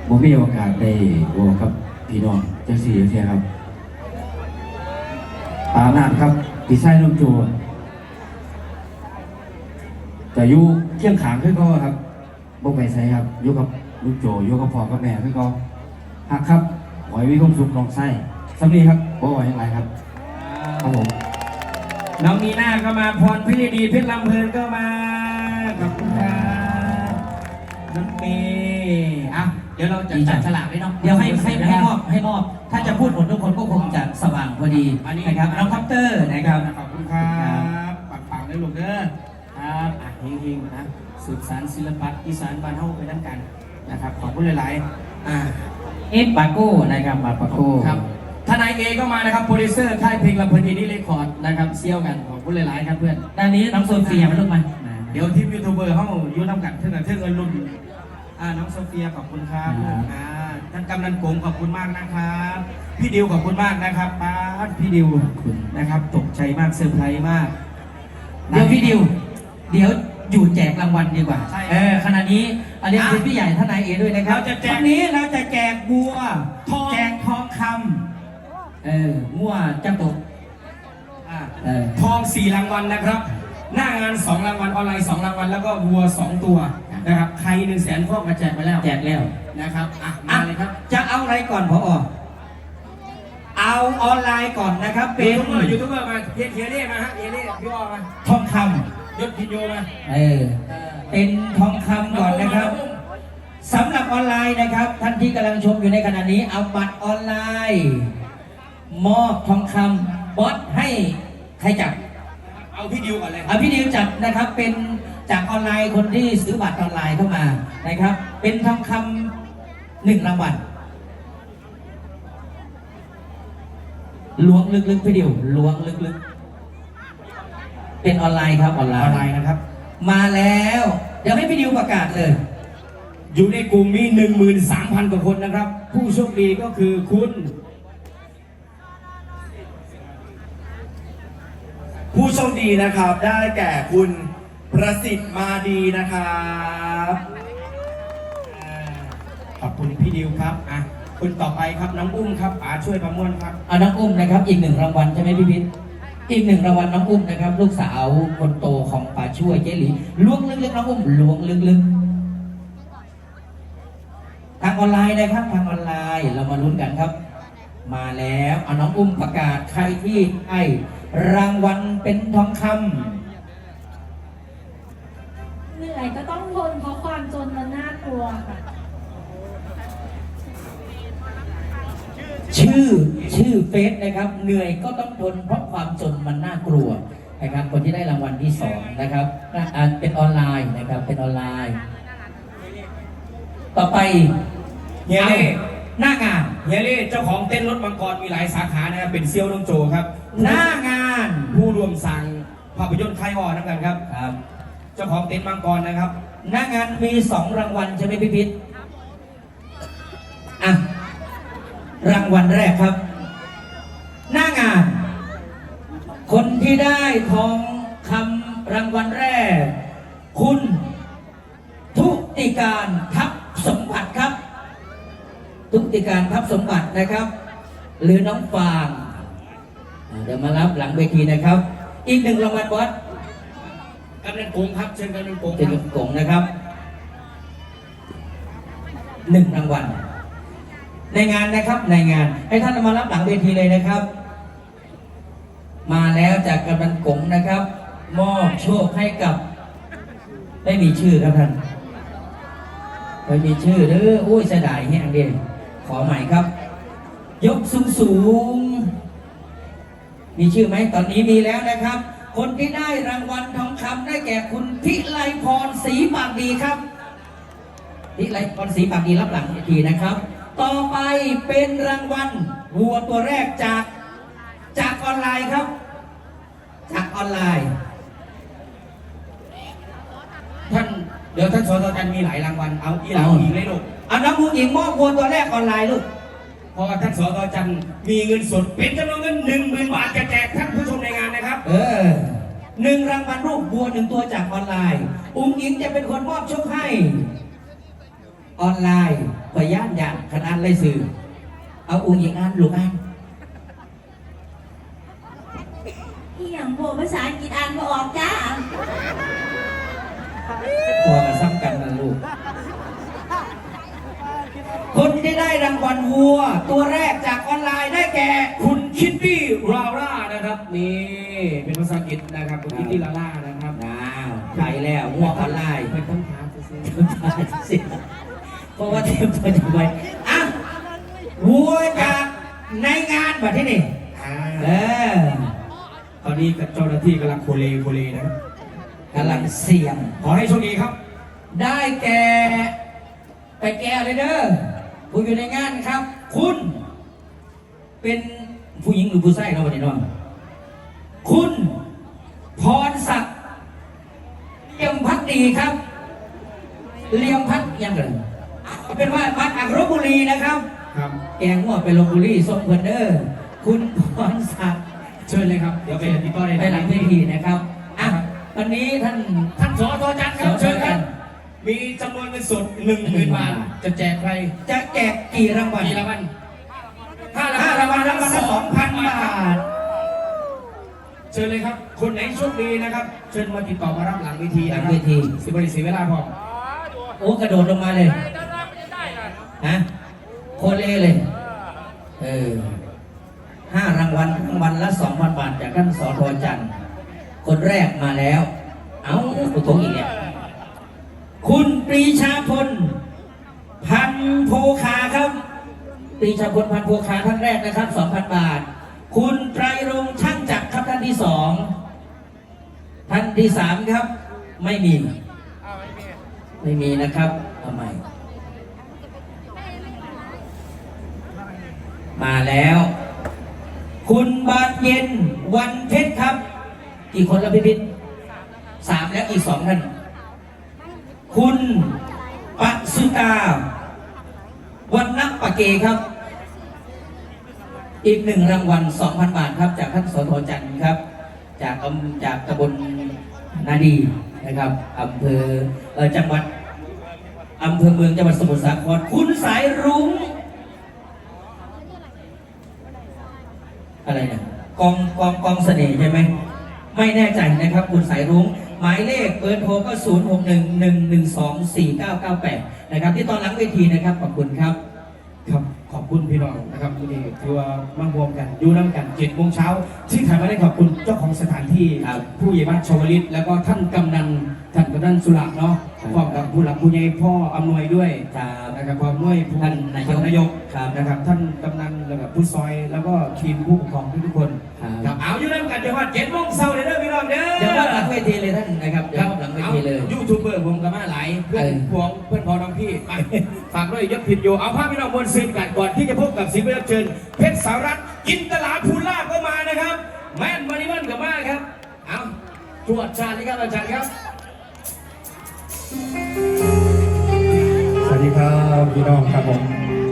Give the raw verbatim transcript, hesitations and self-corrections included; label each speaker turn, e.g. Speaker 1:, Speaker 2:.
Speaker 1: ผมมีโอกาสได้บอกกับพี่น้องเจ้าสี่เทียครับปานาดครับพี่ชายน้องโจแต่อยู่เที่ยงขางขึ้นก็ครับบ่ไปใส่ครับอยู่กับลูกโจอยู่กับพ่อกับแม่ขึ้นก็หักครับหอยวิคมสุขน้องไส้สำนีครับบ่ไหวอย่างไรครับครับผม
Speaker 2: น้องนีน่าก็มาพรพิรดีเพชรลำเพลินก็มาขอบคุณครับน้องเมย์อ่ะเดี๋ยวเราจะจัดฉลากไว้เนาะ
Speaker 3: เดี๋ยวให้ให้ให้มอบให้มอบถ้าจะพูดหมดทุกคนก็คงจะสว่างพอดีนะครับน้องคอปเตอร์นะครับ
Speaker 2: ขอบคุณครับปังๆได้ลูกเด้อครับอ่ะเฮงๆนะสืบสานศิลปะอีสานบ้านเฮาไปนั่งกันนะครับขอบคุณหลายๆอ่า
Speaker 3: เอฟปาโก้นะครับมาปาโก้
Speaker 2: ครับทนายเอก็มานะครับโปรดิวเซอร์ค่ายเพลงลำเพลินอินดี้เรคคอร์ดนะครับเซี่ยวกันขอบคุณหลายๆครับเพื่อน
Speaker 3: ด้านนี้น้องโซเฟียมาลูกมา
Speaker 2: เดี๋ยวทีมยูทูบเบอร์เขาอยู่น้ำกันเท่านั้นเท่าเงินรุ่นอ่าน้องโซเฟียขอบคุณครับอ่าท่านกำนันกงขอบคุณมากนะครับพี่ดิวขอบคุณมากนะครับป้าพี่ดิวนะครับตกใจมากเซอร์ไพรส์มาก
Speaker 3: เดี๋ยวพี่ดิวเดี๋ยวอยู่แจกรางวัลดีกว่าเออขณะนี้อันนี้คือพี่ใหญ่ทนายเอด้วยนะครับวันนี้เราจะแจกบัวแจกทองคำเออมั่วจังตก
Speaker 2: ทองสี่รางวัลนะครับหน้างานสองรางวัลออนไลน์สองรางวัลแล้วก็วัวสองตัวนะครับใครหนึ่งแสนฟอกมาแจกไปแล้ว
Speaker 3: แจกแล้ว
Speaker 2: นะครับอ่ะมาเลยครับ
Speaker 3: จะเอาอะไรก่อนพอเอาออนไลน์ก่อนนะครับเป็น
Speaker 2: ยูทูบเบอร์มาเฮียเฮียเล่มาฮะเฮียเล่พี่อ้อมา
Speaker 3: ทองค
Speaker 2: ำยศพิโยมา
Speaker 3: เออเป็นทองคำก่อนนะครับสำหรับออนไลน์นะครับท่านที่กำลังชมอยู่ในขณะนี้เอาบัตรออนไลน์มอบทองคำบอสให้ใครจับ
Speaker 2: เอาพี่ดิวก่อนเลย
Speaker 3: เอาพี่ดิวจับนะครับเป็นจากออนไลน์คนที่ซื้อบัตรออนไลน์เข้ามานะครับเป็นทองคำหนึ่งรางวัลล้วงลึกๆพี่ดิวล้วงลึกๆเป็นออนไลน์ครับออนไลน์
Speaker 2: ออนไลน์นะครับ
Speaker 3: มาแล้วเดี๋ยวให้พี่ดิวประกาศเลย
Speaker 2: อยู่ในกลุ่มมีหนึ่งหมื่นสามพันกว่าคนนะครับผู้โชคดีก็คือคุณ
Speaker 4: ผู้โชคดีนะครับได้แก่คุณประสิทธิ์มาดีนะครับ
Speaker 2: ขอบคุณพี่ดิวครับอ่ะคุณต่อไปครับน้องอุ้มครับป๋าช่วยประมวลครับ
Speaker 3: อ่ะน้องอุ้มนะครับอีกหนึ่งรางวัลใช่ไหมพี่พิษอีกหนึ่งรางวัลน้องอุ้มนะครับลูกสาวคนโตของป๋าช่วยเจหลีล้วงลึกๆน้องอุ้มล้วงลึกๆทางออนไลน์นะครับทางออนไลน์เรามาลุ้นกันครับมาแล้วเอาน้องอุ้มประกาศใครที่ให้รางวัลเป็นทองคำ
Speaker 5: เหนื่อยก็ต้องทนเพราะความจนมันน่ากลัวค่ะ
Speaker 3: ชื่อชื่อเฟซนะครับเหนื่อยก็ต้องทนเพราะความจนมันน่ากลัวนะครับคนที่ได้รางวัลที่สองนะครับเป็นออนไลน์นะครับเป็นออนไลน์ ต่อไป
Speaker 2: เฮียเล่
Speaker 3: หน้างาน
Speaker 2: เฮียเล่เจ้าของเต้นรถมังกรมีหลายสาขานะครับเป็นเซียวน้องโจครับ
Speaker 3: หน้างาน
Speaker 2: ผู้รวมสั่งภาพยนตร์ไคออนั่นกันครับ
Speaker 3: ครับ
Speaker 2: เจ้าของเต้นมังกรนะครับ
Speaker 3: หน้างานมีสองรางวัลใช่ไหมพี่พิษอ่ะรางวัลแรกครับ หน้างาน คนที่ได้ทองคำรางวัลแรก คุณทุติการทัพสมบัติครับทุติการทัพสมบัตินะครับหรือน้องฟางเดี๋ยวมารับหลังเวทีนะครับอีกหนึ่งรางวัลบอส
Speaker 2: กำนันกงครับเชิญกำนันกง
Speaker 3: เชิญกำนันกงนะครับหนึ่งรางวัลในงานนะครับในงานให้ท่านมารับหลังเวทีเลยนะครับมาแล้วจากกำนันกงนะครับมอบโชคให้กับไม่มีชื่อครับท่านไม่มีชื่อหรืออุ้ยเสียดายแห้งเดียวขอใหม่ครับยกสูงสูงมีชื่อไหมตอนนี้มีแล้วนะครับคนที่ได้รางวัลทองคำได้แก่คุณพิไลพรศรีปากดีครับพิไลพรศรีปากดีรับหลังเวทีนะครับต่อไปเป็นรางวัลวัวตัวแรกจากจากออนไลน์ครับจากออนไลน์
Speaker 2: ท่านเดี๋ยวท่านสตจันมีหลายรางวัลเอาอีหลาอีกเลยลูก
Speaker 3: เอาน้ำมูกหญิงมอบวัวตัวแรกออนไลน์ลูก
Speaker 2: เพราะว่าท่านสตจันมีเงินสดเป็นจำนวนเงินหนึ่งหมื่นบาทจะแจกท่านผู้ชมในงานนะครับ
Speaker 3: เออหนึ่งรางวัลรูปวัวหนึ่งตัวจากออนไลน์อุ้งอิงจะเป็นคนมอบโชคให้ออนไลน์พยานอย่างขนาดเลยสื่อเอาอุ้งอิงอ่านลูกอ่าน
Speaker 5: อีหยังโบภาษาอังกฤษอ่านบ่ออกจ้า
Speaker 3: พอมาซ้ำกันนะลูก คนที่ได้รางวัลวัว ตัวแรกจากออนไลน์ได้แก่
Speaker 2: คุณคิตตี้ราร่านะครับนี่เป็นภาษาอังกฤษนะครับคุณคิตตี้ราร่านะครับ
Speaker 3: อ้าวไปแล้วงัวออนไลน์
Speaker 2: เป็นต้องถามจะซื้อ
Speaker 3: สิเพราะว่าเตรียมตัวจะไปอ่ะวัวจากในงานแบบที่นี่
Speaker 2: อ่า
Speaker 3: เออ
Speaker 2: ตอนนี้กับเจ้าหน้าที่กำลังโคเลโคเลนะครับ
Speaker 3: กำลังเสี่ยง
Speaker 2: ขอให้โชคดีครับ
Speaker 3: ได้แก่ ไปแก่เลยเด้อผู้อยู่ในงานครับ คุณ เป็นผู้หญิงหรือผู้ชายเราะวันนี้เน้องคุณพรศักดิ์เลี่ยมพักดีครับเลี่ยมพักยังไงเป็นว่ามาจากลพบุรีนะครับ
Speaker 2: ครับ
Speaker 3: แกงหัวไปลพบุรีส่งเพิ่นเด้อคุณพรศักดิ์
Speaker 2: เชิญเลยครับ เดี๋ยวไปติดต่อได้
Speaker 3: ไปหลังเวทีนะครับอ่ะวันนี้ท่าน
Speaker 2: ท่านสอทอจันทร์ครับ
Speaker 3: สอทอ
Speaker 2: เชิญค
Speaker 3: จั
Speaker 2: รับ
Speaker 3: นทร์
Speaker 2: มีจำนวนเงินสดหนึ่งหมื่นบาท จะแจกใคร
Speaker 3: จะแจกกี่รางวัล
Speaker 2: กี่รางวัลห้า
Speaker 3: ห้ารางวัลรางวัลละสองพันบาท
Speaker 2: เชิญเลยครับ คนไหนโชคดีนะครับ เชิญมาติดต่อมารับหลังเวที
Speaker 3: หลั
Speaker 2: นะ
Speaker 3: ง
Speaker 2: ครับ
Speaker 3: เวที
Speaker 2: สิบริสีเวลาพอ
Speaker 3: โอ้กระโดดลงมาเลยฮะโคเล่เลย เออห้ารางวัลรางวัลละสองพันบาทจากท่านสอทอจันทร์คนแรกมาแล้ว เอ้าอุตงอีกเนี่ยคุณปรีชาพล พันโพคาครับ ปรีชาพลพันโพคาท่านแรกนะครับสองพันบาท คุณไตรรงค์ช่างจักรครับท่านที่สองท่านที่สามครับ ไม่มี ไม่มีนะครับทำไม มาแล้ว คุณบานเย็นวันเพชรครับกี่คนแล้วพี่พิษสามแล้วอีกสองท่าน คุณปัสุตาวันนักปะเกครับ อีกหนึ่งรางวัลสองพันบาทครับ จากท่านสทจันทร์ครับ จากอำจากตำบลนาดีนะครับอำเภอเออจังหวัดอำเภอเมืองจังหวัดสมุทรสาครคุณสายรุ้งอะไรนะกองกองกองเสน่ห์ใช่ไหมไม่แน่ใจนะครับ คุณสายรุ้งหมายเลขเบอร์โทรก็ศูนย์หกหนึ่งหนึ่งหนึ่งสองสี่เก้าเก้าแปดนะครับที่ตอนหลังเวทีนะครับขอบคุณครับ
Speaker 2: ครับขอบคุณพี่น้องนะครับที่นี่ถือว่ามั่งรวมกันอยู่น้ำกันเจ็ดโมงเช้าที่ถ่ายมาได้ขอบคุณเจ้าของสถานที่
Speaker 3: ครับ
Speaker 2: ผู้ใหญ่บ้านชวลิตแล้วก็ท่านกำนันท่านกำนันสุระเนาะ
Speaker 3: ครับ
Speaker 2: พร้อมกับผู้หลักผู้ใหญ่พ่ออำนวยด้วย
Speaker 3: ครับ
Speaker 2: นะครับพร้อมด้วยผู้
Speaker 3: ท่านนายก
Speaker 2: นายก
Speaker 3: ครับ
Speaker 2: นะครับ ท่านกำนันแล้วก็ผู้ซอยแล้วก็ทีมผู้ปกครองทุกๆคน
Speaker 3: ครับ
Speaker 2: ครับเอาอยู่น้ำกันเดี๋ยวว่าเจ็ดโมงเช้าเลยเด้อพี่น้องเด้อ
Speaker 3: เดี๋ยวว่าหลังเวทีเลยท่านนะครับเดี๋ยวว่าหลังเวทีเลย
Speaker 2: ยูทูบเบอร์ผมกับมาหลายเพื่อน
Speaker 3: เออ
Speaker 2: พวงเพื่อนพอน้องพี่ไปฝากด้วยยศผิดอยู่เอาภาพพี่น้องบนซึ้งกันก่อนที่จะพบกับศิลปินรับเชิญเพชรสารัตน์จินตลาภูลาภก็มานะครับ แม่นมาริมันกับมาครับเอาตรวจชาติครับอาจารย์ครับ
Speaker 6: สวัสดีครับพี่น้องครับผม